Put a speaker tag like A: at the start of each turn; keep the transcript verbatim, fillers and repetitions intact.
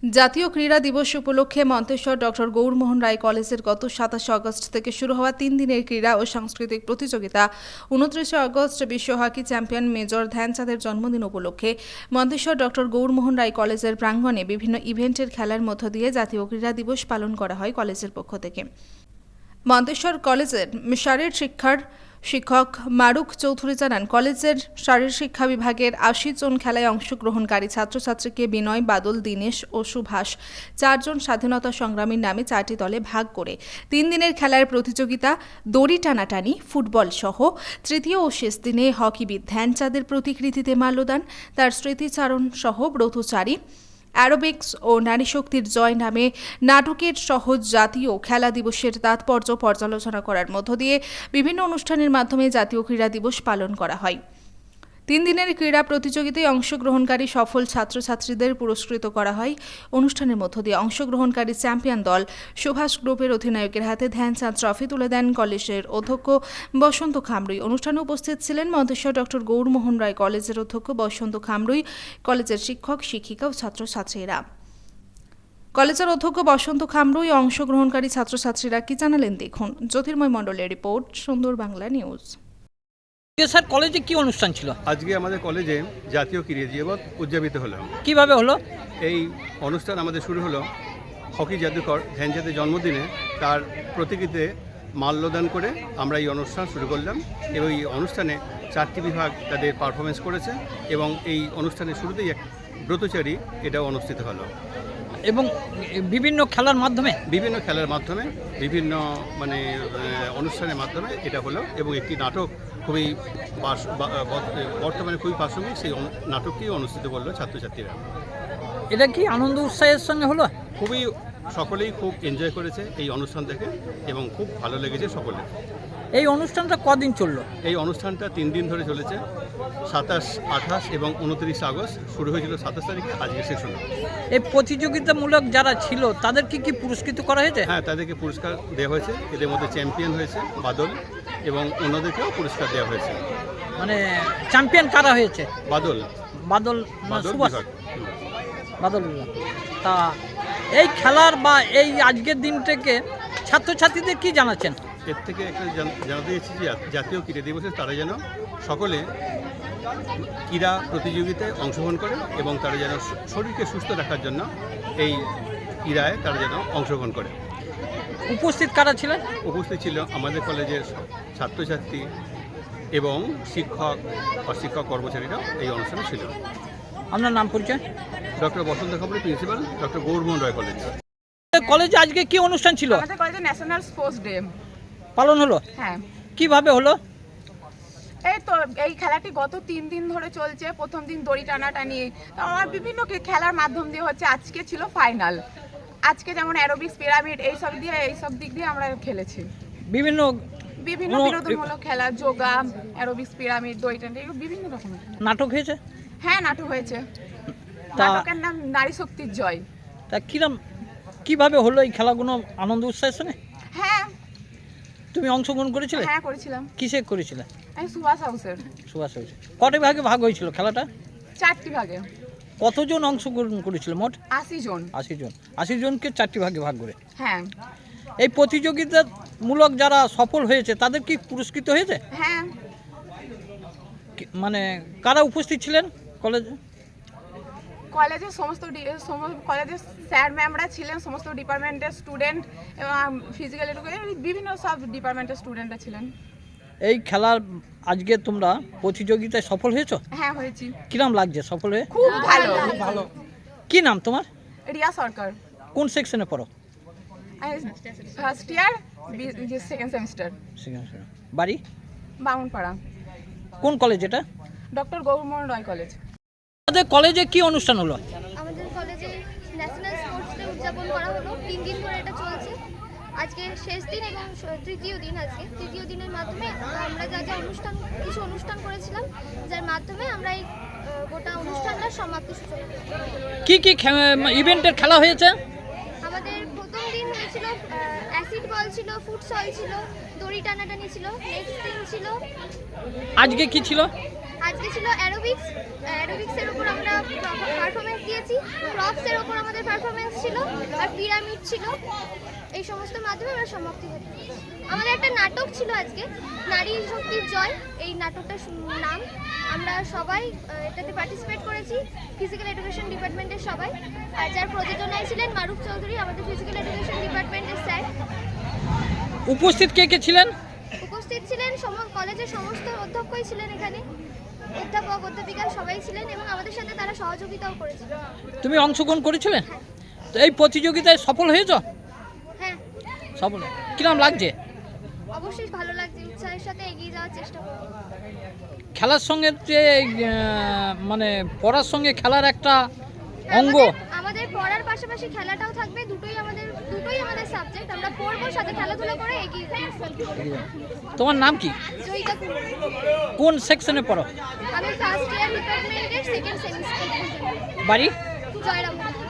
A: জাতীয় ক্রীড়া দিবস উপলক্ষে মন্তেশ্বর ডক্টর গৌরমোহন রায় কলেজের গত সাতাশে আগস্ট থেকে শুরু হওয়া তিন দিনের ক্রীড়া ও সাংস্কৃতিক প্রতিযোগিতা উনত্রিশে আগস্ট বিশ্ব হকি চ্যাম্পিয়ন মেজর ধ্যানচাঁদের জন্মদিন উপলক্ষে মন্তেশ্বর ডক্টর গৌরমোহন রায় কলেজের প্রাঙ্গণে বিভিন্ন ইভেন্টের খেলার মধ্য দিয়ে জাতীয় ক্রীড়া দিবস পালন করা হয় কলেজের পক্ষ থেকে। মন্তেশ্বর কলেজের শারীর শিক্ষার শিক্ষক মারুক চৌধুরী জানান, কলেজের শারীর শিক্ষা বিভাগের আশি জন খেলায় অংশগ্রহণকারী ছাত্রছাত্রীকে বিনয়, বাদল, দীনেশ ও সুভাষ চারজন স্বাধীনতা সংগ্রামীর নামে চারটি দলে ভাগ করে তিন দিনের খেলার প্রতিযোগিতা দড়ি টানাটানি, ফুটবল সহ তৃতীয় ও শেষ দিনে হকিবিদ ধ্যানচাঁদের প্রতিকৃতিতে মাল্যদান, তার স্মৃতিচারণ সহ ব্রতচারী, অ্যারোবিক্স ও নারী শক্তির জয় নামে নাটকের সহজ জাতীয় খেলা দিবসের তাৎপর্য পর্যালোচনা করার মধ্য দিয়ে বিভিন্ন অনুষ্ঠানের মাধ্যমে জাতীয় ক্রীড়া দিবস পালন করা হয়। তিন দিনের ক্রীড়া প্রতিযোগিতায় অংশগ্রহণকারী সফল ছাত্রছাত্রীদের পুরস্কৃত করা হয়। অনুষ্ঠানের মধ্য দিয়ে অংশগ্রহণকারী চ্যাম্পিয়ন দল সুভাষ গ্রুপের অধিনায়কের হাতে ধ্যানচাঁদ ট্রফি তুলে দেন কলেজের অধ্যক্ষ বসন্ত খামরুই। অনুষ্ঠানে উপস্থিত ছিলেন মন্তেশ্বর ডক্টর গৌরমোহন রায় কলেজের অধ্যক্ষ বসন্ত খামরুই, কলেজের শিক্ষক, শিক্ষিকা ও ছাত্রছাত্রীরা। কলেজের অধ্যক্ষ বসন্ত খামরুই অংশগ্রহণকারী ছাত্রছাত্রীরা কি জানালেন দেখুন। জ্যোতির্ময় মণ্ডলের রিপোর্ট, সুন্দর বাংলা নিউজ।
B: স্যার, কলেজে কি অনুষ্ঠান ছিল?
C: আজকে আমাদের কলেজে জাতীয় ক্রীড়া দিবস উদযাপিত হলো।
B: কিভাবে হলো?
C: এই অনুষ্ঠান আমাদের শুরু হলো হকি জাদুকর ধ্যানচাঁদের জন্মদিনে তার প্রতিকৃতিতে মাল্যদান করে আমরা এই অনুষ্ঠান শুরু করলাম এবং এই অনুষ্ঠানে চারটি বিভাগ তাদের পারফরমেন্স করেছে এবং এই অনুষ্ঠানের শুরুতেই এক ব্রতচারী এটাও অনুষ্ঠিত হলো
B: এবং বিভিন্ন খেলার মাধ্যমে
C: বিভিন্ন খেলার মাধ্যমে বিভিন্ন মানে অনুষ্ঠানের মাধ্যমে এটা হলো এবং একটি নাটক খুবই বর্তমানে খুবই প্রাসঙ্গিক, সেই নাটকটি অনুষ্ঠিত করলো ছাত্রছাত্রীরা।
B: এটা কি আনন্দ উৎসাহের সঙ্গে হলো?
C: খুবই সকলেই খুব এনজয় করেছে এই অনুষ্ঠান থেকে এবং খুব ভালো লেগেছে সকলে।
B: এই অনুষ্ঠানটা কদিন চললো?
C: এই অনুষ্ঠানটা তিন দিন ধরে চলেছে, সাতাশ, আঠাশ এবং উনত্রিশ আগস্ট শুরু হয়েছিল সাতাশ তারিখে, আজকে শেষ হলো।
B: এই প্রতিযোগিতামূলক যারা ছিল তাদেরকে কি পুরস্কৃত করা হয়েছে?
C: হ্যাঁ, তাদেরকে পুরস্কার দেওয়া হয়েছে। এদের মধ্যে চ্যাম্পিয়ন হয়েছে বাদল এবং অন্যদেরকেও পুরস্কার দেওয়া হয়েছে।
B: মানে চ্যাম্পিয়ন কারা হয়েছে?
C: বাদল
B: বাদল
C: বাদল
B: সুভাষ
C: বিভাগ।
B: বাদল তা এই খেলার বা এই আজকের দিনটাকে ছাত্রছাত্রীদের কি জানাচ্ছেন?
C: এর থেকে একটা জানাতে চাইছি যে জাতীয় ক্রীড়া দিবসে তারা যেন সকলে ক্রীড়া প্রতিযোগিতায় অংশগ্রহণ করে এবং তারা যেন শরীরকে সুস্থ রাখার জন্য এই ক্রীড়ায় তারা যেন অংশগ্রহণ করে।
B: উপস্থিত কারা ছিলেন?
C: উপস্থিত ছিল আমাদের কলেজের ছাত্রছাত্রী এবং শিক্ষক বা শিক্ষক কর্মচারীরা এই অনুষ্ঠানে ছিল।
B: আপনার নাম পরিচয়?
C: Doctor Basanta Khamrui, principal, doctor Gourmohan Roy college.
B: কলেজে আজকে কি অনুষ্ঠান ছিল?
D: আমাদের কলেজে ন্যাশনাল স্পোর্টস ডে
B: পালন হলো।
D: হ্যাঁ।
B: কিভাবে হলো?
D: এই তো এই খেলাটি গত তিন দিন ধরে চলছে। প্রথম দিন দড়ি টানাটানি, আমার বিভিন্ন খেলার মাধ্যম দিয়ে হচ্ছে। আজকে ছিল ফাইনাল। আজকে যেমন অ্যারোবিক্স, পিরামিড এইসব দিয়ে এইসব দিক দিয়ে আমরা খেলেছি।
B: বিভিন্ন
D: বিভিন্ন বিনোদনমূলক খেলা, যোগা, অ্যারোবিক্স, পিরামিড, দড়ি টানা, এগুলো বিভিন্ন রকমের
B: নাটক হয়েছে।
D: হ্যাঁ, নাটক হয়েছে। নাটকের নাম নারী শক্তির জয়।
B: তা কিরম কিভাবে হলো এই খেলাগুলো আনন্দ উৎসাহের সঙ্গে?
D: হ্যাঁ।
B: তুমি অংশগ্রহণ করেছিলে?
D: হ্যাঁ, করেছিলাম।
B: কিসে করেছিলে?
D: আমি সুভাষ হাউসের।
B: সুভাষ হয়েছে। কটা ভাগে ভাগ হয়েছিল খেলাটা?
D: চারটি ভাগে।
B: কতজন অংশগ্রহণ করেছিল মোট?
D: আশি জন।
B: আশি জন আশি জনকে চারটি ভাগে ভাগ করে।
D: হ্যাঁ।
B: এই প্রতিযোগিতামূলক যারা সফল হয়েছে তাদের কি পুরস্কৃত হয়েছে?
D: হ্যাঁ।
B: মানে কারা উপস্থিত ছিলেন কলেজে?
D: কলেজের সমস্ত কলেজের স্যার ম্যামরা ছিলেন, সমস্ত ডিপার্টমেন্টের স্টুডেন্ট এবং ফিজিক্যাল এডুকেশন বিভিন্ন সব ডিপার্টমেন্টের স্টুডেন্টরা ছিলেন।
B: এই খেলার আজকে তোমরা প্রতিযোগিতায় সফল হয়েছো?
D: হ্যাঁ, হয়েছি।
B: কিরম লাগছে সফল হয়ে?
D: খুব ভালো। ভালো।
B: কি নাম তোমার?
D: রিয়া সরকার।
B: কোন সেকশনে পড়ো?
D: First year, second semester.
B: বাড়ি?
D: বামুনপাড়া।
B: কোন কলেজ এটা?
D: Doctor Gourmohan Roy college.
B: আমাদের কলেজে কি অনুষ্ঠান হলো?
E: আমাদের কলেজে ন্যাশনাল স্পোর্টস ডে উদযাপন করা হলো। তিন দিন ধরে এটা চলছে। আজকে শেষ দিন এবং তৃতীয় দিন। আজকে তৃতীয় দিনের মাধ্যমে আমরা যা যা অনুষ্ঠান কিছু অনুষ্ঠান করেছিলাম, যার মাধ্যমে আমরা এই গোটা অনুষ্ঠানটা সমাপ্তি সূচনা করি।
B: কি কি ইভেন্টের খেলা হয়েছে?
E: আমাদের প্রথম দিন হয়েছিল অ্যাসিড বল ছিল, ফুটসল ছিল, দড়ি টানাটানি ছিল। নেক্সট দিন ছিল,
B: আজকে কি ছিল?
E: আজকে ছিল অ্যারোবিক্স। অ্যারোবিক্সের উপর আমরা পারফরমেন্স দিয়েছি। প্রপসের উপর আমাদের পারফরমেন্স ছিল আর পিরামিড ছিল, এই সমস্ত মাধ্যমে আমরা সমাপ্তি ঘটাতে পেরেছি। আমাদের একটা নাটক ছিল আজকে, নারী শক্তির জয়, এই নাটকটার সু- নাম। আমরা সবাই আহ, এটাতে পার্টিসিপেট করেছি, ফিজিক্যাল এডুকেশন ডিপার্টমেন্টের সবাই। আর যার প্রযোজনায় ছিলেন মারুফ চৌধুরী, আমাদের ফিজিক্যাল এডুকেশন ডিপার্টমেন্টের স্যার।
B: উপস্থিত কে কে ছিলেন?
E: উপস্থিত ছিলেন সম- কলেজের সমস্ত অধ্যক্ষই ছিলেন এখানে, অধ্যাপক অধ্যাপিকা সবাই ছিলেন এবং আমাদের সাথে তারা সহযোগিতাও করেছিল।
B: তুমি অংশগ্রহণ করেছিলে? তো এই প্রতিযোগিতায় সফল হয়েছ?
E: হ্যাঁ,
B: সফল। কিরম লাগছে?
E: অবশ্যই ভালো লাগছে, উৎসাহের সাথে এগিয়ে যাওয়ার চেষ্টা করব।
B: খেলার সঙ্গে যে আহ, মানে পড়ার সঙ্গে খেলার একটা অঙ্গ।
E: আমাদের- আমাদের পড়ার পাশাপাশি খেলাটাও থাকবে, দুটোই আমাদের দুটোই আমাদের সাবজেক্ট। আমরা পড়বো, সাথে খেলাধুলা করে এগিয়ে যাবো।
B: তোমার নাম কি?
E: জয়িতা কুমার।
B: কোন সেকশনে পড়ো?
E: আমি ফার্স্ট ইয়ার ডিপার্টমেন্টের সেকেন্ড সেমিস্টার।
B: বাড়ি?
E: জয়রাম।